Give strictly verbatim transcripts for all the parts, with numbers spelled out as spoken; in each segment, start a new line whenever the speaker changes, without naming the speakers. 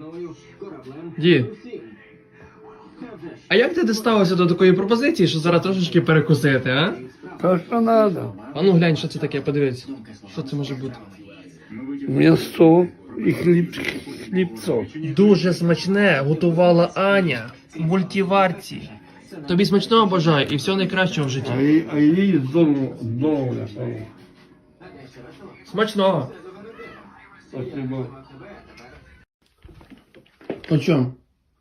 Дід, а як ти дістався до такої пропозиції, що зараз трошечки перекусити, а?
То, що треба.
А ну глянь, що це таке, подивись. Що це може бути?
М'ясо і хліб, хлібцо.
Дуже смачне готувала Аня в мультиварці. Тобі смачного бажаю і всього найкращого в
А
житті.
їй, а їй здорово, здорово.
Смачного.
Спасибо.
По чому?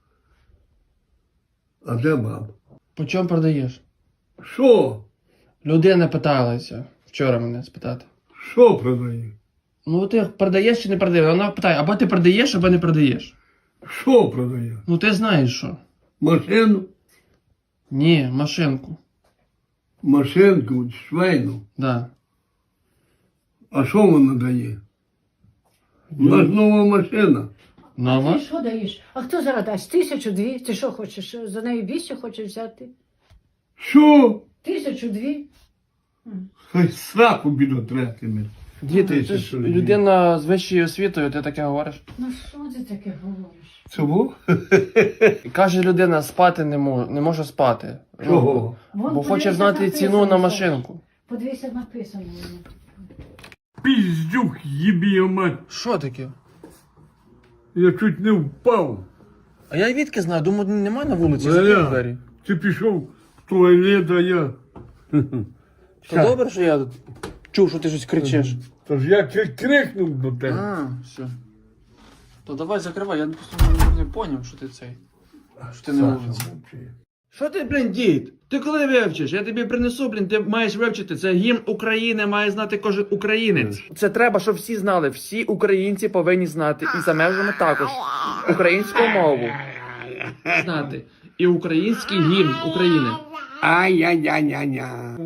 А де баб?
По чому продаєш?
Що?
Людина питалася вчора мене спитати.
Що продає?
Ну ти продаєш чи не продаєш? Вона питає, або ти продаєш, або не продаєш.
Що продає?
Ну ти знаєш що?
Машину?
Ні, машинку.
Машинку, швейну.
Да.
А що вона дає? У нас нова машина.
Нова?
Ти що даєш? А хто зараз дасть? Тисячу дві? Ти що хочеш? За неї більше хочеш взяти?
Що?
Тисячу дві?
Хай сраку бідотретиме.
Діти, це ж людина з вищою освітою, ти таке говориш.
Ну що ти таке говориш?
Чого?
І каже людина, спати не можу, не можу спати.
Чого?
Вон,
Бо хоче
подивися,
знати
написано,
ціну на
що.
машинку.
Подивися, написано воно.
Піздюк, їбі мать.
Що таке?
Я чуть не впав.
А я відки знаю, думаю, немає на вулиці,
Валя.
закрив двері.
Ти пішов в туалет, а я.
То добре, що я чув, що ти щось кричиш.
Тож я чуть крикнув до тебе.
А, все. То давай закривай, я просто не, не поняв, що ти цей. Що ти не вулиці. Що ти, блін, дід? Ти коли вивчиш? Я тобі принесу, блін, ти маєш вивчити. Це гімн України, має знати кожен українець. Це треба, щоб всі знали. Всі українці повинні знати. І за межами також. Українську мову. Знати. І український гімн України.
Ай-яй-яй-яй-яй.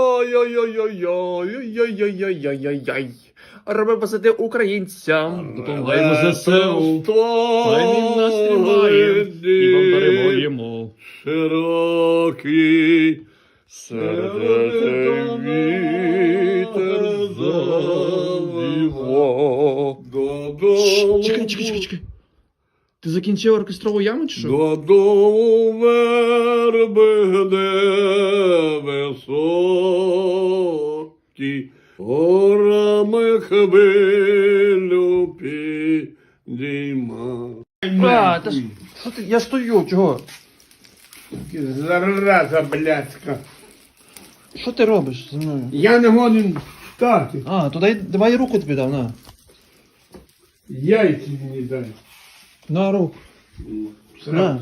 Ой-ой-ой-ой-ой-ой-ой-ой-ой-ой. Роби посади українцям. Допомагаємо ЗСУ. Хай він нас тримає. І вам перемоємо.
Широкий
Сердце вітер завіво.
додому.
Чекай, чекай, чекай, чекай. Ти закінчив оркестрову яму чи що?
Додому верби високі, горами хвилю підійма.
А, та ж, що ти, я стою, чого?
Зараза блядська.
Що ти робиш зі мною?
Я не годен встати.
А, то дай, давай я руку тобі дав, на.
Яйці мені дай.
На руку. На.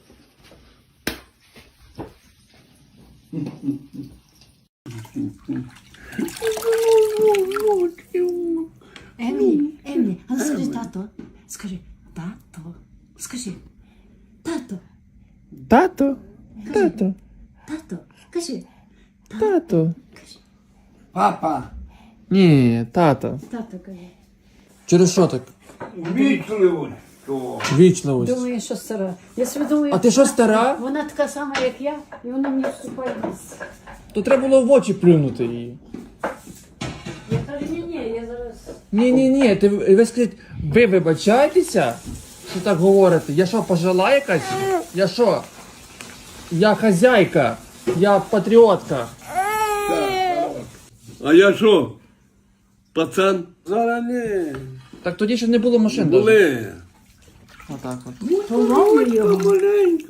Емі, Емі, а ну скажи тато. Скажи, тато. Скажи, тато,
Тато, тато,
тато. Кажи,
тато.
Папа,
Ні, тато.
тато кажи.
Через що так?
вічливо.
Вічливість.
Думаю, що стара. Я собі думаю,
А ти що, стара?
Вона така сама, як я, і вона мені вступає в ліс.
То треба було в очі плюнути її.
Я кажу, ні, ні, я зараз.
Ні, ні, ні, ти ви скажіть, ви вибачаєтеся, що так говорите? Я що, пожила якась? Я що? Я хазяйка, я патріотка.
А я що? Пацан? Зараз не.
Так тоді ще не було машин. даже.
Були.
Отак от.
Поломай його.
Маленько.